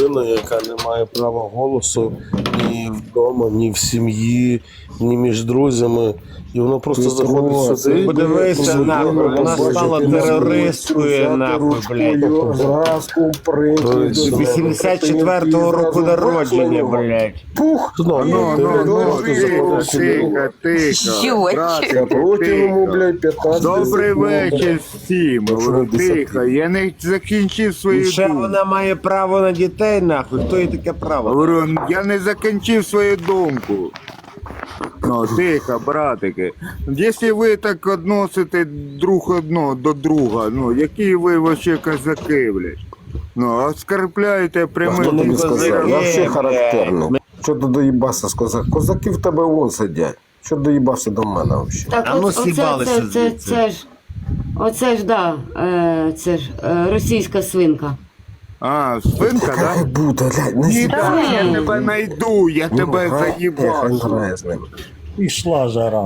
людина, яка не має права голосу ні вдома, ні в сім'ї, ні між друзями. І вона просто заходить сюди. Подивися, нахуй, вона стала терористкою, нахуй, блядь. 84-го року народження, блядь. Пух! Тихо, тихо. Добрий вечір всім. Тихо, я не закінчив свою Ще думку. вона має право на дітей, нахуй. Хто їй таке право? Говорю, я не закінчив свою думку. Ну, тихо, братики. Якщо ви так відносите друг одного до друга, ну, які ви вообще козаки, блядь? Ну, оскорбляєте прямим. Хто тобі сказав? Я все блядь. характерний. Що ти доїбався з козак? Козаки в тебе вон сидять. Що доїбався до мене взагалі? Так, А ну сібалися звідси. оце ж, да, це ж російська свинка. А, свинка, Хай да? буде, блядь, не Ні, сідай. да, я тебе найду, я тебе Хай заїбав. грає з ним. Пішла жара.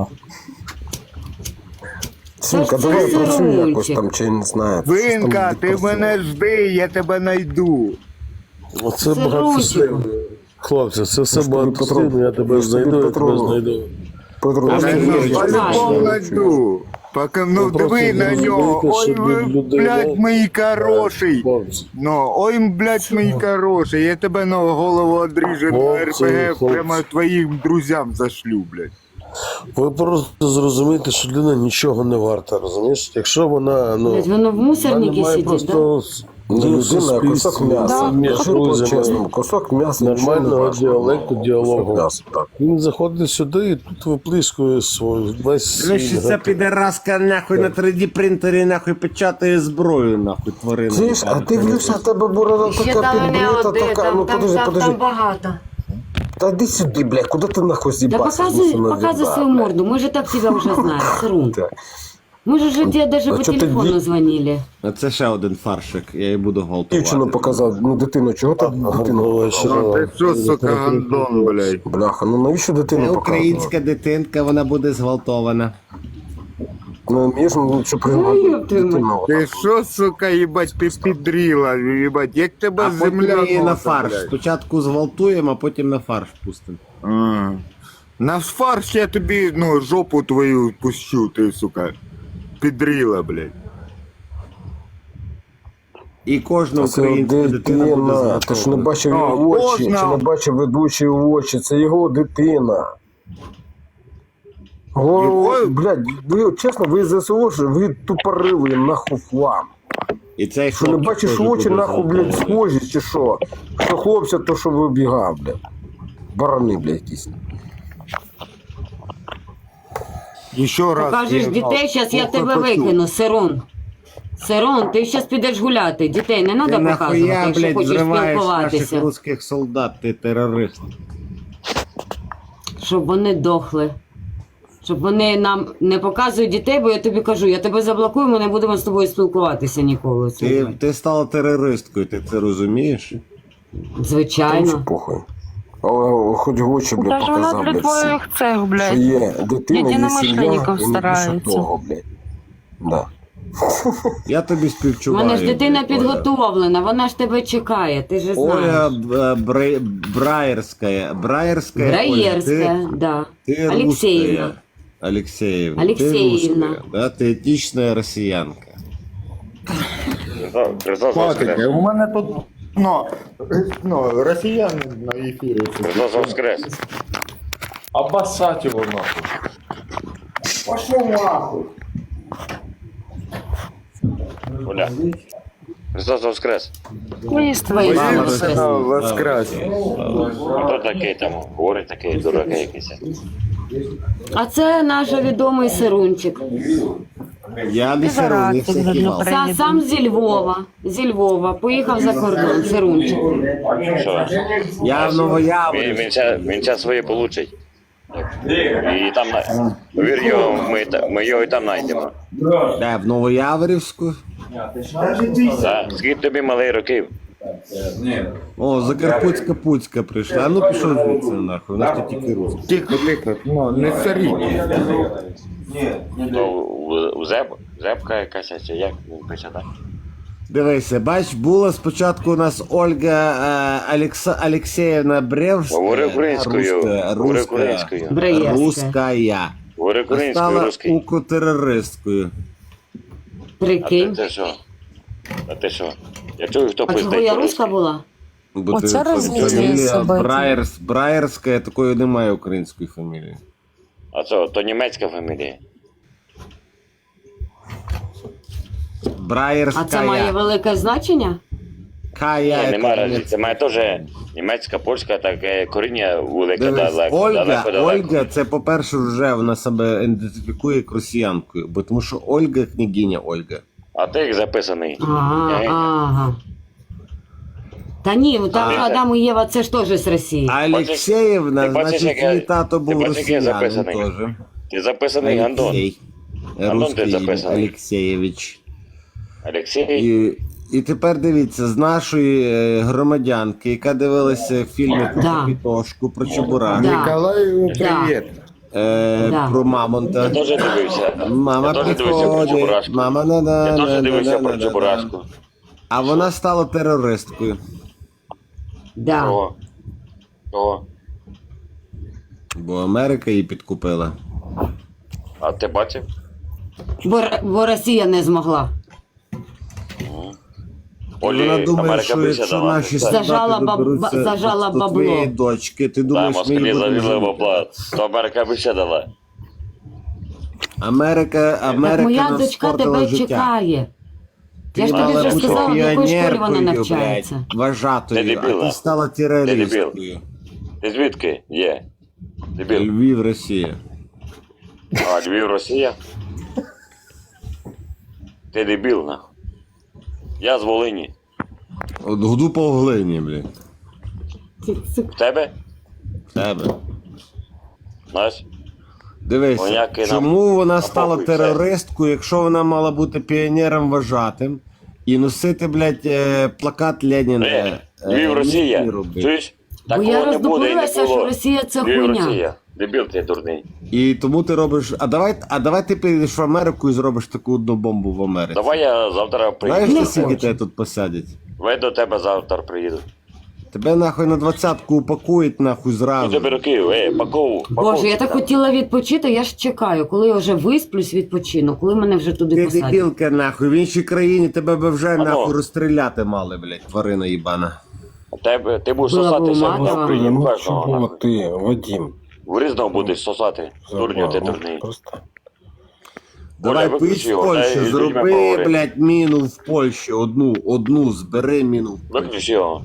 Свинка, Це давай ж працюй Рунчик. якось там, чи не знаю. Свинка, ти мене жди, я тебе найду. Оце Це багатослівно. Хлопці, це все тобі багатослівно, я тебе я ж тобі знайду, я тебе Петрову. знайду. Петро, Я ти тебе віриш, по-любому що найду. Поки, ну, Ви просто диви на не нього. розумієте, Ой, що ви, людей, блядь, да? мій хороший. Хлопці. Ну, ой, блядь, мій хороший. Я тебе на голову одріжу на Хлопці, РПГ, хлопці. прямо твоїм друзям зашлю, блядь. Ви просто зрозумієте, що людина нічого не варта, розумієш? Якщо вона, ну, Блядь, воно в вона мусорнику має сидить, да? просто не людина, а кусок м'яса. між Кажи друзями, по-чесному, кусок м'яса. нічого не нормального важно. діалекту, діалогу. Кусок м'яса, так. Він заходить сюди і тут виплискує свій весь Слышь, свій ця підараска, нахуй, на 3D принтері, нахуй, печатає зброю, нахуй, тварина. Чуєш, а дивлюся, в тебе борода Ще така там не підбрита, один, така, ну подожди, подожди. там багато. Та йди сюди, блядь, куди ти нахуй Да з'їбався? показывай свою морду, мы же так тебя уже знаем, Сырун. Так. Мы же тебе даже А по чё ты телефону звонили. А це ще один фаршик, я її буду гвалтувати. Дівчину показав, ну дитину, чого ти дитину показав? Ну, ти що, сука, гандон, блядь. Бляха, ну навіщо Це дитину показувати? українська дитинка, вона буде зґвалтована. Ну, між, ну, що ёб приймати твою дитину. Ти що, сука, їбать, ти підріла, їбать, як тебе А потім земля її на носа, фарш. блядь. Спочатку зґвалтуємо, а потім на фарш пустимо. А. На фарш я тобі, ну, жопу твою пущу, ти, сука, підріла, блядь. І кожна Це українська дитина буде дитина, ти ж не зґвалтована. бачив А, його очі, можна. чи не бачив ведучі очі, це його дитина. О, Його? блядь, ви, чесно, ви ЗСО, ж, ви тупорили, нахуй флам. І цей Що не хлопчик бачиш теж очі, буде нахуй, блядь, зґвалтований. схожі, чи що? Що хлопця, то що вибігав, блядь. Барани, блядь, якісь. Ще раз. Покажеш я- дітей, зараз я Ох, тебе хочу. викину, Сирун. Сирун, ти зараз підеш гуляти. Дітей не Ти треба показувати, нахуя, якщо блядь, хочеш зриваєш наших спілкуватися. русських солдат, ти терорист. Щоб вони дохли. Щоб вони нам не показують дітей, бо я тобі кажу, я тебе заблокую, ми не будемо з тобою спілкуватися ніколи. Ти стала терористкою, ти це розумієш? Та Звичайно. нічого похуй. Але хоч в очі, блядь, Та ж вона показав, для блядь, всім. твоїх цех, Що блядь. є дитина, є Єдиномишленників сім'я, і не більше старається. того, блядь. Да. Я тобі У співчуваю. мене ж дитина блядь, Оля. підготовлена, вона ж тебе чекає, ти ж Оля знаєш. Браєрська. Браєрська, да. Ты Алексеевна. русская. Алексеевна. Алексеевна. Ты русская, да? Ты этичная россиянка. Хватить, у мене тут, ну, росіяни на ефірі. Христос воскрес. Обоссать его нахуй. Пошов нахуй. Оля. Христос воскрес. Виїзд Твої виїзд. мами Воскрес. воскресне. Воскрес. Хто такий там? Говорить такий дурак якийсь. А це наш відомий Сирунчик. Я не Пидорас, сиру, не як всякий видно, Сам зі Львова. Зі Львова. Поїхав за кордон, Сирунчик. Що? Я в Новояворі. Він час своє получить. І там, повір його, ми його і там знайдемо. Де, в Новояворівську? Так. Скільки тобі малий років? О, Закарпутська Пуцька прийшла. А ну пішов звідси нахуй, у нас тут тільки русські. Тихо, тихо, ну, не царі. То зебка якась, чи як він пише, так? Дивися, бач, була спочатку у нас Ольга Алексеєвна Бревська. Говори українською. Говори українською. Бреєвська. Русская. Говори А українською, стала русський. укротерористкою. Прикинь. Ти що? А ти що? Я чую, хто А чого пиздить я по-русски. руська була? Бо Оце ти розвитие фамілія событий. Браєрська, такої немає української фамілії. А це, то німецька фамілія. Браєрська. А це має велике значення? Кая. Ні, нема разниці. Це має теж німецька, польська, таке коріння велике Дивись, далеко. Ольга, Ольга, це, по-перше, вже вона себе ідентифікує як росіянкою, бо тому що Ольга княгиня Ольга. А ти як записаний. Ага, ага. Та ні, ну там Адам і Єва, це ж теж з Росії. А Алексеєвна, ти бачиш, значить, як я- її тато був ти бачиш, як я росіянин записаний? теж. Ти записаний Андон. Алексей. Андон ти Русский записаний. Алексеєвич. Олексій. І тепер дивіться, з нашої громадянки, яка дивилася фільми про Да. Капітошку, про Чебурака, Да. Николаю Да. привет. Да. про Мамонта. Я теж дивився. Мама Я теж дивився про приходить, Чебурашку. мама Я теж дивився про Чебурашку. А вона стала терористкою. Да. Кого? Кого? Бо Америка її підкупила. А ти бачив? Бо Росія не змогла. І вона Олі, думає, Америка що більше якщо дала. наші Так. Зажала солдати доберуться зажала до бабло. твоєї дочки, ти Да, думаєш, ми москалі її будемо завізли жити? бабла, то Америка більше дала. Америка Так моя нам дочка спортила тебе життя. чекає. Я ж тобі мала вже бути сказала, в якої школі вона піонеркою, навчається. блядь, вважатою, Ти а дебіла. ти стала терористкою. Ти звідки? Є. Дебіл. Львів, Росія. А, Львів, Росія? Ти дебіл, нахуй. Я з Волині. От гуду по глині, блядь. В тебе? В тебе. Знаєш? Дивися, Воняки нам чому вона стала напохуй все. терористкою, якщо вона мала бути піонером вважатим і носити, блядь, плакат Леніна? Львів, Росія. і робити. Чуєш? Бо Такого я не буде і не роздуплилася, було. що Росія це Львів, хуйня. Росія. Дебіл ти дурний. І тому ти робиш. А давай ти підеш в Америку і зробиш таку одну бомбу в Америці. Давай я завтра Знаєш, приїду. ти скільки тебе тут посадять? Ви до тебе завтра приїду. Тебе нахуй на 20-ку упакують нахуй Ну зразу. тебе руки, пакову. Боже, я так хотіла відпочити, я ж чекаю, коли я вже висплюсь, відпочину, коли мене вже туди Ти посадять. дебілка нахуй, в іншій країні тебе б вже Ану. нахуй розстріляти мали, блядь, тварина їбана. Ти будеш Була б сосатися уматова. в прийом Ну, кожного. чого нахуй. ти, Вадим? В різного будеш сосати. Дурню ти дурний. Просто. Давай виключи поїдь в його, Польщу, дай людьми зроби, поговори. блядь, міну в Польщі, одну, збери міну в Польщі. Виключи його.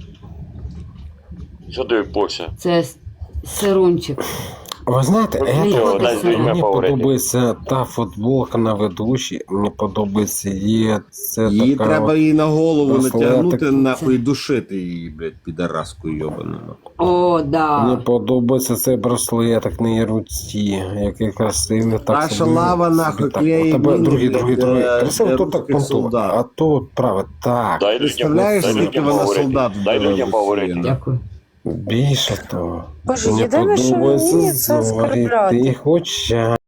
Що тобі Польща? Це сирунчик. Ви знаєте, дай з людьми мені поговорити. подобається та футболка на ведучій, мені подобається є це Її така треба от- їй на голову браслетик. натягнути, нахуй, і душити її, блядь, підаразку йобану. О, Мені да. подобається цей браслетик на її руці, який красивий. Так Наша собі- лава, собі нахуй, так. клеїть У тебе міни другий. для Красиво, то так русських понтово, солдат. а то праве, так. Дай людям, Представляєш, дай скільки людям вона поговорити. солдат Дай вбила людям в поговорити. Росії? Дякую. Більше того. Боже, Мені єдине, що подобається мені це зоріти оскорбляти. хоча.